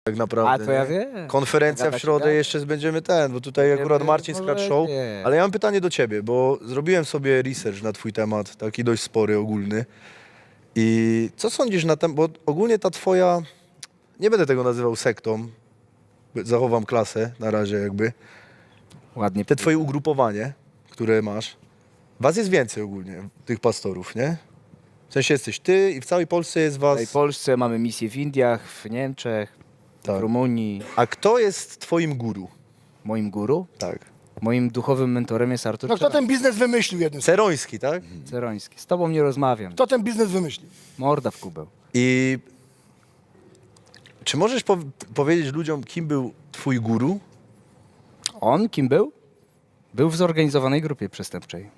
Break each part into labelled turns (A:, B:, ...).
A: tak naprawdę.
B: A to ja
A: nie?
B: wiem.
A: Konferencja w
B: Gadać,
A: środę
B: gadać.
A: jeszcze będziemy bo tutaj akurat Marcin Scratch Show.
B: Nie.
A: Ale ja mam pytanie do ciebie, bo zrobiłem sobie research na twój temat, taki dość spory, ogólny. I co sądzisz na temat, bo ogólnie ta twoja, nie będę tego nazywał sektą, zachowam klasę na razie jakby,
B: Ładnie.
A: te twoje ugrupowanie, które masz, was jest więcej ogólnie, tych pastorów, nie? W sensie jesteś ty i w całej Polsce jest
B: W
A: was...
B: całej Polsce mamy misje w Indiach, w Niemczech,
A: Tak.
B: w Rumunii.
A: A kto jest twoim guru?
B: Moim guru,
A: Tak.
B: moim duchowym mentorem jest Artur
C: No kto ten biznes wymyślił jeden?
A: Ceroński, tak?
B: Ceroński. Z tobą nie rozmawiam.
C: Kto ten biznes wymyślił?
B: Morda w kubeł.
A: I czy możesz powiedzieć ludziom, kim był twój guru?
B: On kim był? Był w zorganizowanej grupie przestępczej.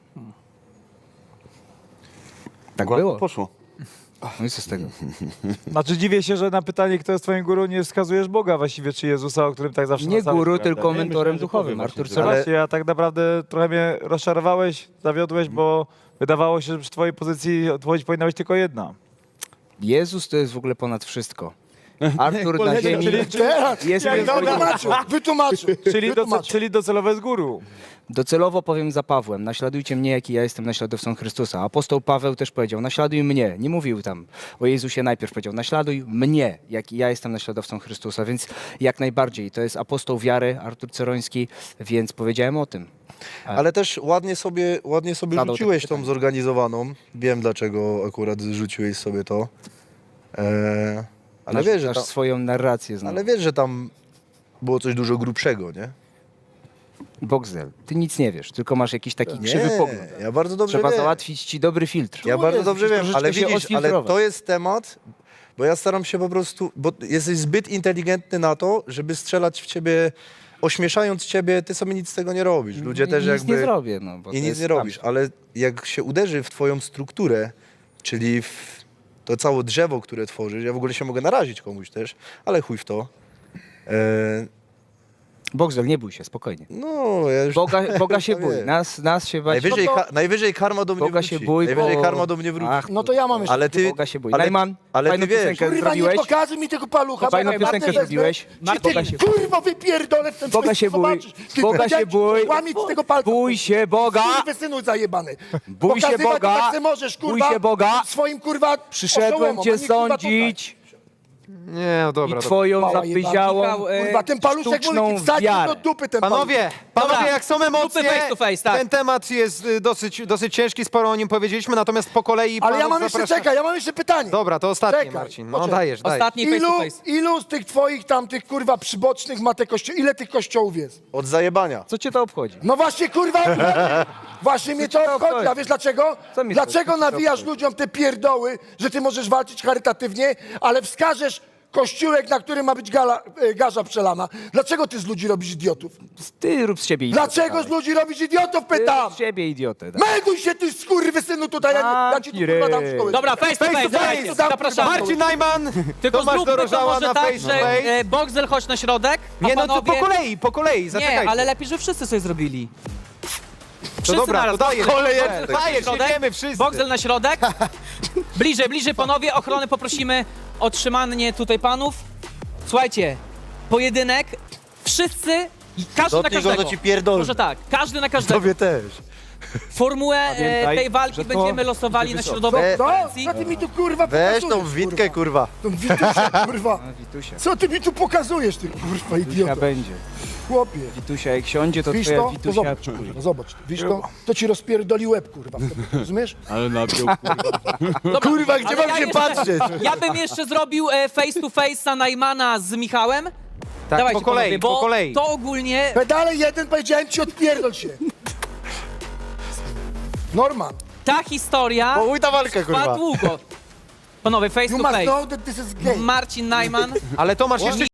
B: Tak było.
D: Poszło.
B: No i co z tego?
E: Znaczy dziwię się, że na pytanie, kto jest twoim guru, nie wskazujesz Boga właściwie, czy Jezusa, o którym tak zawsze
B: Nie
E: na samym
B: guru,
E: prawda?
B: tylko
D: Nie,
B: mentorem
D: myślałem, że
B: duchowym.
D: powiem
B: Artur
D: właśnie,
E: Co
A: Ale-
B: Ceroński.
E: właśnie, ja tak naprawdę trochę mnie rozczarowałeś, zawiodłeś, bo wydawało się, że przy twojej pozycji odpowiedź powinna być tylko jedna.
B: Jezus to jest w ogóle ponad wszystko. Artur na ziemi
C: Teraz!
B: jest
C: Jak
B: moim
C: wytłumaczył, wytłumaczył.
E: Czyli docelowe z guru.
B: Docelowo powiem za Pawłem, naśladujcie mnie, jaki ja jestem naśladowcą Chrystusa. Apostoł Paweł też powiedział, naśladuj mnie. Nie mówił tam o Jezusie najpierw, powiedział, naśladuj mnie, jaki ja jestem naśladowcą Chrystusa. Więc jak najbardziej, to jest apostoł wiary, Artur Ceroński, więc powiedziałem o tym.
A: Ale też ładnie sobie
B: Zadał
A: rzuciłeś
B: takie
A: tą
B: pytanie.
A: zorganizowaną. Wiem, dlaczego akurat rzuciłeś sobie to. Ale wiesz, że
B: Masz
A: tam,
B: swoją narrację znowu.
A: ale wiesz, że tam było coś dużo grubszego, nie?
B: Boxel, ty nic nie wiesz, tylko masz jakiś taki krzywy pogląd.
A: Ja bardzo dobrze
B: Trzeba
A: wiem.
B: załatwić ci dobry filtr.
A: Ja bardzo
C: jest,
A: dobrze
B: musisz
A: wiem,
B: troszeczkę
A: ale
B: się
A: widzisz, ale
B: odfiltrować.
A: to jest temat, bo ja staram się po prostu, bo jesteś zbyt inteligentny na to, żeby strzelać w ciebie, ośmieszając ciebie, ty sobie nic z tego nie robisz. Ludzie też
B: nic
A: jakby...
B: nie zrobię, no. Bo
A: I
B: to
A: nic
B: jest
A: nie robisz, ale jak się uderzy w twoją strukturę, czyli w to całe drzewo, które tworzysz, ja w ogóle się mogę narazić komuś też, ale chuj w to.
B: Boxel, nie bój się, spokojnie.
A: No, ja już...
B: Boga się
A: to
B: bój,
A: wiem.
B: nas się bać.
A: Najwyżej,
C: No to-
A: najwyżej karma do mnie
B: Boga
A: wróci.
B: się bój,
A: Najwyżej
B: bo-
A: karma do mnie wróci.
B: Ach,
C: No to ja mam jeszcze.
A: ale ty...
B: Boga się bój.
A: ale-
B: Najman,
A: ale
B: fajną
A: ty wiesz,
B: piosenkę
C: Kurwa, nie
B: zrobiłeś.
C: pokazuj mi tego palucha.
B: Fajną
C: bo ja
B: piosenkę
C: wezmę,
B: zrobiłeś.
C: Czy
B: Boga
C: ty,
B: się-
C: kurwa, wypierdolę w ten
B: Boga
C: twój
B: się bój,
C: zobaczysz. Ty
B: Boga
C: powiedziałem
B: się
C: ci,
B: bój,
C: łamić z tego palca.
B: bój się Boga,
C: Synu zajebany.
B: Bój się
C: Pokazywać
B: Boga,
C: to tak se możesz,
B: bój
C: kurwa,
B: się Boga.
C: swoim, kurwa,
B: przyszedłem
C: oszołomom,
B: cię
C: a nie, kurwa, tutaj.
B: sądzić
F: Nie, no dobra.
B: i twoją
C: Mała
B: zapyziałą,
C: Kurwa, ten paluszek
B: sztuczną
C: mój, wsadź
B: wiarę.
C: do dupy ten
F: Panowie,
D: Dobra.
F: jak są emocje,
D: face to face, tak.
F: ten temat jest dosyć ciężki, sporo o nim powiedzieliśmy, natomiast po kolei
C: Ale ja
F: panów
C: mam jeszcze,
F: zapraszam-
C: czekaj, ja mam jeszcze pytanie.
F: Dobra, to ostatnie,
C: Czekaj,
F: Marcin. No
C: poczekaj.
F: dajesz.
D: Ostatni face to face.
C: Ilu z tych twoich tam, tych kurwa przybocznych ma te kościoły, ile tych kościołów jest?
A: Od zajebania.
B: Co cię to obchodzi?
C: No właśnie, kurwa, właśnie mnie to obchodzi. A wiesz dlaczego?
B: Co mnie
C: Dlaczego
B: to
C: nawijasz
B: obchodzi?
C: ludziom te pierdoły, że ty możesz walczyć charytatywnie, ale wskażesz kościółek, na którym ma być garza przelana? Dlaczego ty z ludzi robisz idiotów?
B: Ty rób z siebie idiotę.
C: Dlaczego z ludzi robisz idiotów,
B: Ty
C: pytam?
B: rób z siebie idiotę.
C: Melduj się, ty skurwysynu tutaj, ja ci tu kurwa dam szkołę.
D: Dobra, face to face,
C: to
D: dawajcie,
C: face.
D: zapraszamy.
F: Marcin Najman,
D: Tylko
F: Tomasz
D: zróbmy to
F: Dorożała
D: może
F: na
D: tak,
F: face to
D: że
F: face.
D: Boxel chodź na środek, a
F: Nie, no to
D: panowie...
F: po kolei, zaczekajcie.
D: Nie, ale lepiej, że wszyscy sobie zrobili.
F: To
D: Wszyscy
F: dobra,
D: naraz.
F: to dajesz.
D: Boxel chodź na
F: Dajesz,
D: środek.
F: jedziemy wszyscy.
D: Boxel na środek. Bliżej panowie, ochronę poprosimy o trzymanie tutaj panów. Słuchajcie, pojedynek, wszyscy, i każdy na
A: Dotknij go,
D: każdego.
A: to ci pierdolę.
D: Może tak, każdy na każdego.
A: Tobie też.
D: Formułę
E: Pamiętaj,
D: tej walki
E: że to
D: będziemy losowali na
E: będzie
D: środowej
A: wysoko.
C: No,
D: konferencji.
C: co ty mi tu kurwa
A: Weź
C: pokazujesz?
A: tą witkę, kurwa.
C: Tą witusię, kurwa.
B: A, Witusia.
C: Co ty mi tu pokazujesz, ty kurwa
B: Witusia
C: idioto?
B: będzie.
C: Chłopie.
B: Witusia jak siądzie, to
C: Wiesz
B: twoja
C: to? To
B: Witusia...
C: zobacz, kurwa, zobacz. Wiesz to ci rozpierdoli łeb, kurwa. Rozumiesz?
D: Dobra,
C: Kurwa, gdzie
D: ale
C: mam się
D: jeszcze-
C: patrzeć?
D: Ja bym jeszcze zrobił face to face'a Najmana z Michałem.
F: Tak,
D: Dawajcie,
F: po kolei,
D: panowie, bo
F: po kolei.
D: to ogólnie...
C: Pedale jeden, powiedziałem ci, odpierdol się. Norman,
D: Ta historia
A: Połuj ta walkę,
D: trwa
A: kurwa.
D: długo. Panowie, face
C: you
D: to
C: must
D: face.
C: know that this is gay.
D: Marcin Najman
F: Ale Tomasz jeszcze